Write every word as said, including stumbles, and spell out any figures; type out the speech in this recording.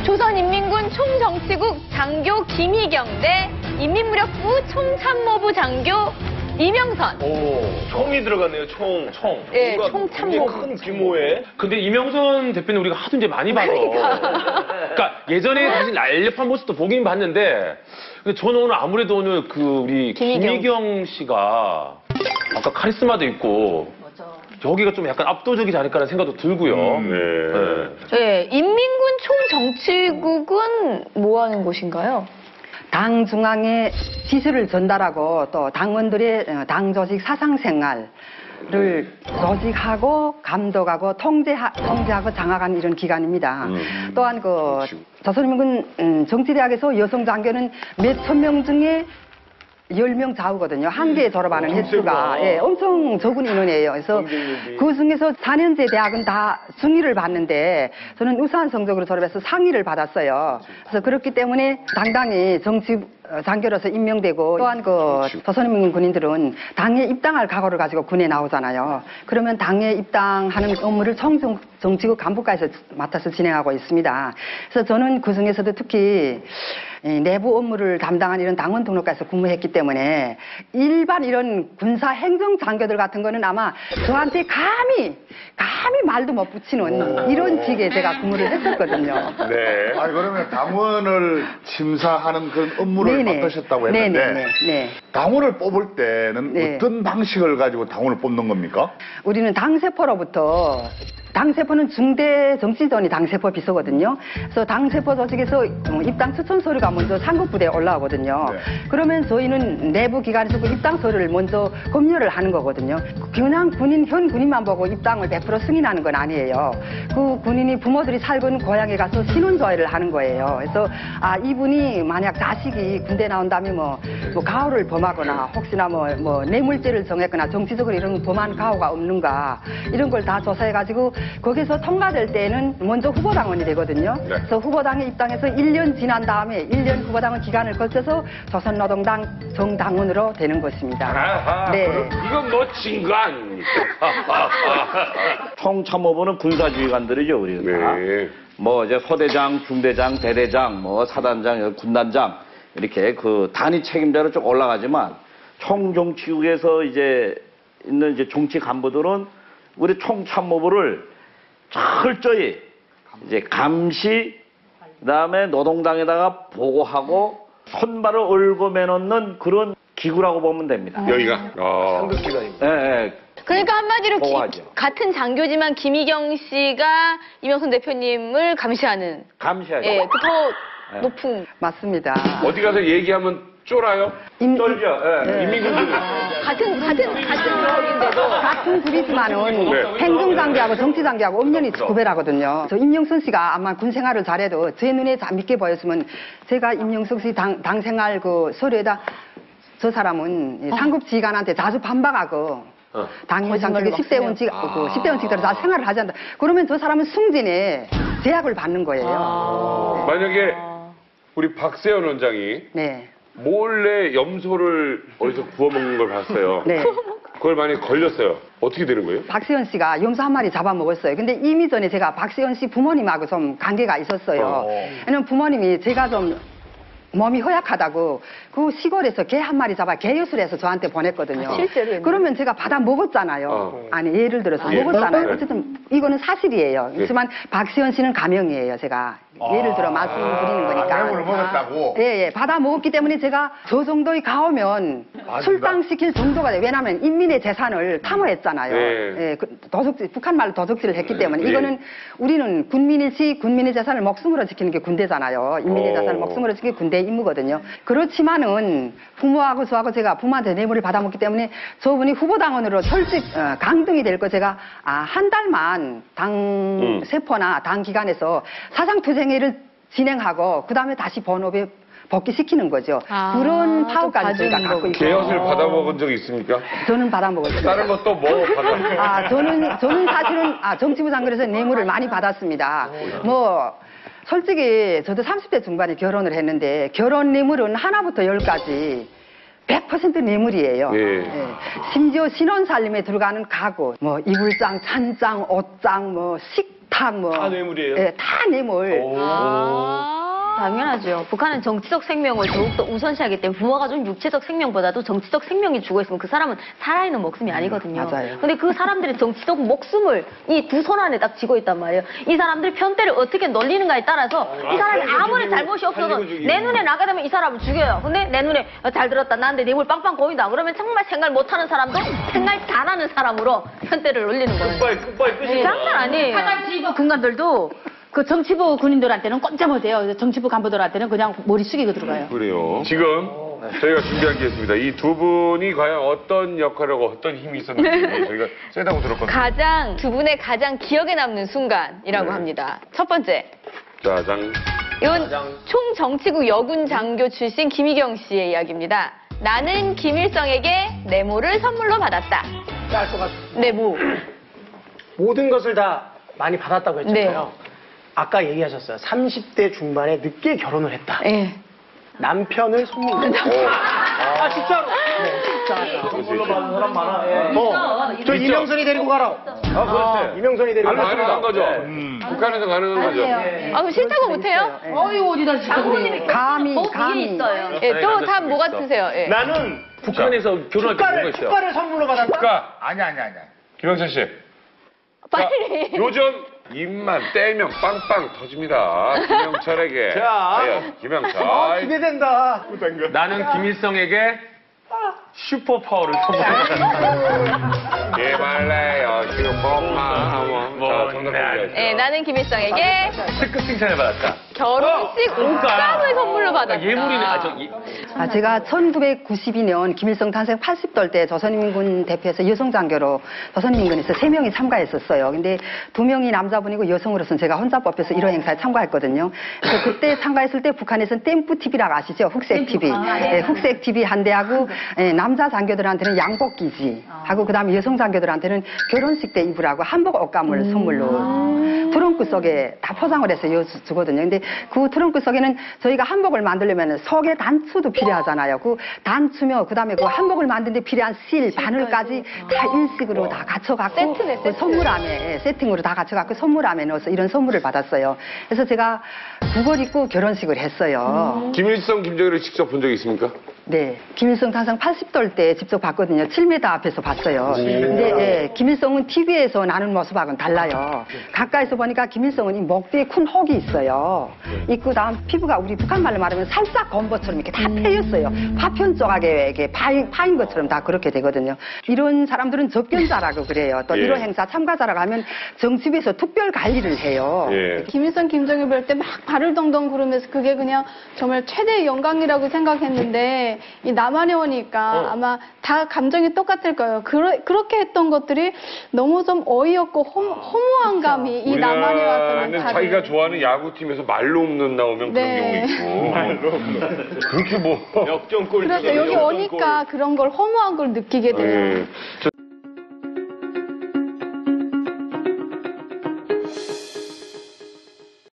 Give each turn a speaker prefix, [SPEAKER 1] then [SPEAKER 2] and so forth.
[SPEAKER 1] 조선인민군 총정치국 장교 김희경 대 인민무력부 총참모부 장교 이명선.
[SPEAKER 2] 오, 총이 들어갔네요, 총. 총.
[SPEAKER 1] 예,
[SPEAKER 2] 뭔가
[SPEAKER 1] 총참모부.
[SPEAKER 2] 큰 규모의.
[SPEAKER 3] 근데 이명선 대표는 우리가 하도 이제 많이 봐서. 그러니까 예전에 사실 날렵한 모습도 보긴 봤는데, 근데 저는 오늘 아무래도 오늘 그 우리
[SPEAKER 1] 김희경,
[SPEAKER 3] 김희경 씨가 아까 카리스마도 있고, 저기가 좀 약간 압도적이지 않을까라는 생각도 들고요.
[SPEAKER 2] 음, 네.
[SPEAKER 1] 네, 인민군 총정치국은 뭐 하는 곳인가요?
[SPEAKER 4] 당 중앙에 지시를 전달하고 또 당원들의 당 조직 사상 생활을 조직하고 감독하고 통제하, 통제하고 장악하는 이런 기관입니다.
[SPEAKER 2] 음.
[SPEAKER 4] 또한 그 조선인민군 정치대학에서 여성 장교는 몇천 명 중에 열 명 좌우거든요. 한 개에 졸업하는
[SPEAKER 2] 어,
[SPEAKER 4] 횟수가 예, 엄청 적은 인원이에요. 그래서
[SPEAKER 2] 경쟁률이.
[SPEAKER 4] 그 중에서 사 년제 대학은 다 중위를 받는데 저는 우수한 성적으로 졸업해서 상위를 받았어요. 그래서 그렇기 때문에 당당히 정치 장교로서 임명되고 또한 그 조선인민군 군인들은 당에 입당할 각오를 가지고 군에 나오잖아요. 그러면 당에 입당하는 업무를 총정치국 간부과에서 맡아서 진행하고 있습니다. 그래서 저는 그 중에서도 특히 내부 업무를 담당한 이런 당원 등록과에서 근무했기 때문에 일반 이런 군사 행정 장교들 같은 거는 아마 저한테 감히 감히 말도 못 붙이는 이런 식의 제가 근무를 했었거든요.
[SPEAKER 2] 네.
[SPEAKER 5] 아니 그러면 당원을 심사하는 그런 업무를
[SPEAKER 4] 네네.
[SPEAKER 5] 맡으셨다고 했는데
[SPEAKER 4] 네네네. 네.
[SPEAKER 5] 당원을 뽑을 때는
[SPEAKER 4] 네.
[SPEAKER 5] 어떤 방식을 가지고 당원을 뽑는 겁니까?
[SPEAKER 4] 우리는 당세포로부터 당세포는 중대 정치전이 당세포 비서거든요. 그래서 당세포 조직에서 입당 추천 서류가 먼저 상급부대에 올라오거든요.
[SPEAKER 5] 네.
[SPEAKER 4] 그러면 저희는 내부 기관에서 그 입당 서류를 먼저 검열을 하는 거거든요. 그냥 군인, 현 군인만 보고 입당을 백 퍼센트 승인하는 건 아니에요. 그 군인이 부모들이 살던 고향에 가서 신원조회를 하는 거예요. 그래서 아 이분이 만약 자식이 군대 나온다면 뭐, 뭐 가호를 범하거나 혹시나 뭐, 뭐 뇌물죄를 정했거나 정치적으로 이런 범한 가호가 없는가 이런 걸 다 조사해가지고 거기서 통과될 때는 먼저 후보당원이 되거든요.
[SPEAKER 2] 네.
[SPEAKER 4] 그래서 후보당에 입당해서 일 년 지난 다음에 일 년 후보당원 기간을 거쳐서 조선노동당 정당원으로 되는 것입니다.
[SPEAKER 2] 아하,
[SPEAKER 4] 네.
[SPEAKER 2] 그럼 이건 멋진 거 아닙니까?
[SPEAKER 6] 총참모부는 군사지휘관들이죠, 우리가.
[SPEAKER 2] 네.
[SPEAKER 6] 뭐 이제 소대장, 중대장, 대대장, 뭐 사단장, 군단장 이렇게 그 단위 책임자로 쭉 올라가지만 총정치국에서 이제 있는 이제 정치 간부들은 우리 총참모부를 철저히 이제 감시, 그다음에 노동당에다가 보고하고 손발을 얽어매 놓는 그런 기구라고 보면 됩니다.
[SPEAKER 2] 여기가 어. 상급기관입니다.
[SPEAKER 6] 예, 예.
[SPEAKER 1] 그러니까 한마디로 기-
[SPEAKER 6] 보호하죠.
[SPEAKER 1] 같은 장교지만 김희경 씨가 이명선 대표님을 감시하는
[SPEAKER 6] 감시하죠.
[SPEAKER 1] 예, 그 더
[SPEAKER 6] 네.
[SPEAKER 1] 높은
[SPEAKER 4] 맞습니다.
[SPEAKER 2] 어디 가서 얘기하면 쫄아요?
[SPEAKER 4] 임-
[SPEAKER 6] 쩔죠. 예.
[SPEAKER 4] 네.
[SPEAKER 2] 인민군들.
[SPEAKER 1] 같은 같은 같은 그룹인데도
[SPEAKER 4] 같은 굴이지만은
[SPEAKER 2] 네.
[SPEAKER 4] 행정장교하고 정치장교하고 엄연히 구별하거든요. 저 임영선 씨가 아마 군 생활을 잘해도 제 눈에 잘 믿게 보였으면 제가 임영선 씨 당, 당 생활 그 서류에다 저 사람은
[SPEAKER 1] 어.
[SPEAKER 4] 상급 지휘관한테 자주 반박하고
[SPEAKER 2] 어.
[SPEAKER 4] 당일 장직에
[SPEAKER 1] 거짓말을
[SPEAKER 4] 십 대
[SPEAKER 1] 막
[SPEAKER 4] 원칙, 그 십 대 원칙대로 다 생활을 하지 않는다. 그러면 저 사람은 승진에 제약을 받는 거예요.
[SPEAKER 1] 아.
[SPEAKER 2] 만약에 우리 박세현 원장이
[SPEAKER 4] 네.
[SPEAKER 2] 몰래 염소를 어디서 구워 먹는 걸 봤어요.
[SPEAKER 4] 네.
[SPEAKER 2] 그걸 만약에 걸렸어요. 어떻게 되는 거예요?
[SPEAKER 4] 박세현 씨가 염소 한 마리 잡아먹었어요. 근데 이미 전에 제가 박세현 씨 부모님하고 좀 관계가 있었어요.
[SPEAKER 2] 어.
[SPEAKER 4] 왜냐면 부모님이 제가 좀 몸이 허약하다고 그 시골에서 개 한 마리 잡아 개유술 해서 저한테 보냈거든요.
[SPEAKER 1] 아, 실제로
[SPEAKER 4] 그러면 제가 받아 먹었잖아요.
[SPEAKER 2] 어.
[SPEAKER 4] 아니 예를 들어서
[SPEAKER 2] 예.
[SPEAKER 4] 먹었잖아요.
[SPEAKER 2] 네.
[SPEAKER 4] 어쨌든 이거는 사실이에요.
[SPEAKER 2] 예.
[SPEAKER 4] 그렇지만 박세현 씨는 가명이에요. 제가 예를 들어 말씀드리는 거니까.
[SPEAKER 5] 아, 을 먹었다고?
[SPEAKER 4] 예, 예. 받아 먹었기 때문에 제가 저 정도의 가오면 출당시킬 정도가 돼요. 왜냐하면 인민의 재산을 탐호했잖아요.
[SPEAKER 2] 네.
[SPEAKER 4] 예, 그 도적질, 북한 말로 도적질을 했기 때문에
[SPEAKER 2] 네.
[SPEAKER 4] 이거는 우리는 군민일시 군민의 재산을 목숨으로 지키는 게 군대잖아요. 인민의
[SPEAKER 2] 어.
[SPEAKER 4] 재산을 목숨으로 지키는 게 군대의 임무거든요. 그렇지만은 부모하고 저하고 제가 부모한테 뇌물을 받아먹기 때문에 저분이 후보당원으로 철직 어, 강등이 될 거 제가 아, 한 달만 당
[SPEAKER 2] 음.
[SPEAKER 4] 세포나 당 기관에서 사상투쟁회를 진행하고 그 다음에 다시 본업에 복귀시키는 거죠.
[SPEAKER 1] 아,
[SPEAKER 4] 그런
[SPEAKER 1] 또
[SPEAKER 4] 파워까지 저희가
[SPEAKER 1] 봐주는
[SPEAKER 4] 갖고 있어요.
[SPEAKER 2] 개엿을 받아먹은 적 있습니까?
[SPEAKER 4] 저는 받아먹었어요.
[SPEAKER 2] 다른 것도 뭐 받아?
[SPEAKER 4] 아, 저는, 저는 사실은, 아, 정치부 장관에서 뇌물을 많이 받았습니다. 뭐, 솔직히 저도 삼십 대 중반에 결혼을 했는데, 결혼 뇌물은 하나부터 열까지 백 퍼센트 뇌물이에요.
[SPEAKER 2] 예.
[SPEAKER 4] 예. 심지어 신혼살림에 들어가는 가구, 뭐, 이불장, 찬장, 옷장, 뭐, 식, 탁 뭐.
[SPEAKER 3] 다 뇌물이에요?
[SPEAKER 4] 예, 다 뇌물.
[SPEAKER 1] 아.
[SPEAKER 7] 당연하죠. 북한은 정치적 생명을 더욱더 우선시하기 때문에 부모가 준 육체적 생명보다도 정치적 생명이 죽어있으면 그 사람은 살아있는 목숨이 아니거든요.
[SPEAKER 4] 맞아요.
[SPEAKER 7] 근데 그 사람들의 정치적 목숨을 이 두 손 안에 딱 쥐고 있단 말이에요. 이 사람들이 편대를 어떻게 놀리는가에 따라서 이 사람이 아무리 잘못이 없어도 내 눈에 나게 되면 이 사람을 죽여요. 근데 내 눈에 어, 잘 들었다. 나한테 뇌물 빵빵 보인다. 그러면 정말 생각 못하는 사람도 생각 잘하는 사람으로 편대를 놀리는 거예요.
[SPEAKER 3] 끝발, 끝발 끝이
[SPEAKER 7] 장난 아니에요.
[SPEAKER 8] 사단지부 군관들도 그 정치부 군인들한테는 꼼짝 못해요. 정치부 간부들한테는 그냥 머리 숙이고 들어가요.
[SPEAKER 2] 그래요. 지금 저희가 준비한 게 있습니다. 이 두 분이 과연 어떤 역할을 하고 어떤 힘이 있었는지 저희가 세다고 들었거든요.
[SPEAKER 1] 가장 두 분의 가장 기억에 남는 순간이라고
[SPEAKER 2] 네.
[SPEAKER 1] 합니다. 첫 번째.
[SPEAKER 2] 짜장.
[SPEAKER 1] 이건 총정치국 여군 장교 출신 김희경 씨의 이야기입니다. 나는 김일성에게 네모를 선물로 받았다.
[SPEAKER 9] 알 것 같아요.
[SPEAKER 1] 네모.
[SPEAKER 9] 모든 것을 다 많이 받았다고 했잖아요.
[SPEAKER 1] 네.
[SPEAKER 9] 아까 얘기하셨어요. 삼십 대 중반에 늦게 결혼을 했다.
[SPEAKER 1] 예.
[SPEAKER 9] 남편을 선물로. 아, 진짜로. 네,
[SPEAKER 6] 선물로 받은 사람 많아. 예.
[SPEAKER 9] 어, 저 이명선이 데리고 가라.
[SPEAKER 2] 아, 그렇지.
[SPEAKER 9] 이명선이 데리고 가라.
[SPEAKER 2] 가능한 거죠.
[SPEAKER 1] 음.
[SPEAKER 2] 북한에서 가능한 거죠.
[SPEAKER 1] 아, 그럼 싫다고 못해요?
[SPEAKER 8] 어이 어디다 진짜 그래요.
[SPEAKER 4] 감히,
[SPEAKER 7] 목 위에
[SPEAKER 4] 감히.
[SPEAKER 7] 있어요.
[SPEAKER 1] 예, 또 다 뭐가 드세요? 예.
[SPEAKER 9] 나는
[SPEAKER 3] 북한에서 결혼할 때 뭐가
[SPEAKER 9] 축가를,
[SPEAKER 3] 있어요?
[SPEAKER 9] 축가를 선물로 받았다.
[SPEAKER 2] 그러니까
[SPEAKER 5] 아니야, 아니야, 아니야.
[SPEAKER 2] 김영철 씨.
[SPEAKER 1] 빨리.
[SPEAKER 2] 자, 요즘 입만 떼면 빵빵 터집니다. 김영철에게.
[SPEAKER 9] 자.
[SPEAKER 2] 과연 김영철.
[SPEAKER 9] 아, 기대된다.
[SPEAKER 3] 나는 김일성에게 슈퍼파워를 선물했다.
[SPEAKER 2] 개발래요. 지금 뻥하.
[SPEAKER 3] 뭐,
[SPEAKER 2] 자, 정답
[SPEAKER 3] 네.
[SPEAKER 2] 공개하시죠.
[SPEAKER 1] 예, 나는 김일성에게
[SPEAKER 3] 특급 칭찬을 받았다.
[SPEAKER 1] 결혼식 옷감을 선물로 받았다.
[SPEAKER 3] 그러니까 예물이네. 아, 저, 이,
[SPEAKER 4] 아, 제가 천구백구십이 년 김일성 탄생 팔십 돌 때 조선인민군 대표에서 여성장교로 조선인민군에서 세 명이 참가했었어요. 근데 두 명이 남자분이고 여성으로서는 제가 혼자 뽑혀서 이런 행사에 참가했거든요. 그래서 그때 참가했을 때 북한에서는 댐프 티비라고 아시죠? 흑색 티비. 예, 흑색 티비 한 대하고 예, 남자 장교들한테는 양복기지 하고 그다음에 여성 장교들한테는 결혼식 때 입으라고 한복 옷감을 선물로 트렁크 속에 다 포장을 해서 주거든요. 근데 그 트렁크 속에는 저희가 한복을 만들려면 속에 단추도 필요하잖아요. 그 단추며 그다음에 그 한복을 만드는데 필요한 실, 바늘까지 다 일식으로 다 갖춰갖고
[SPEAKER 1] 세트네,
[SPEAKER 4] 그
[SPEAKER 1] 세트.
[SPEAKER 4] 선물함에 세팅으로 다 갖춰갖고 선물함에 넣어서 이런 선물을 받았어요. 그래서 제가 그걸 입고 결혼식을 했어요.
[SPEAKER 2] 김일성, 김정일을 직접 본 적이 있습니까?
[SPEAKER 4] 네, 김일성 탄생 팔십 돌 때 직접 봤거든요. 칠 미터 앞에서 봤어요. 근데 예, 김일성은 티비에서 나는 모습하고는 달라요. 가까이서 보니까 김일성은 이 목 뒤에 큰 혹이 있어요. 있고 다음 피부가 우리 북한 말로 말하면 살짝 검버처럼 이렇게 다 패였어요. 파편 조각에 이렇게 파인, 파인 것처럼 다 그렇게 되거든요. 이런 사람들은 접견자라고 그래요. 또
[SPEAKER 2] 예.
[SPEAKER 4] 이런 행사 참가자라고 하면 정치부에서 특별 관리를 해요.
[SPEAKER 2] 예.
[SPEAKER 10] 김일성, 김정일 볼 때 막 발을 덩덩 구르면서 그게 그냥 정말 최대의 영광이라고 생각했는데 이 남한에 오니까 아마 다 감정이 똑같을 거예요. 그러, 그렇게 했던 것들이 너무 좀 어이없고 허, 허무한 감이 이 남한에 와서는
[SPEAKER 2] 우리나라는
[SPEAKER 10] 다들
[SPEAKER 2] 자기가 좋아하는 야구팀에서 말로 없는 나오면
[SPEAKER 10] 네.
[SPEAKER 2] 그런 경우 있고. 말로 없는. 그렇게 뭐.
[SPEAKER 3] 역전골.
[SPEAKER 10] 그래서 여기 오니까 그런 걸 허무한 걸 느끼게 돼요.
[SPEAKER 2] 예. 저-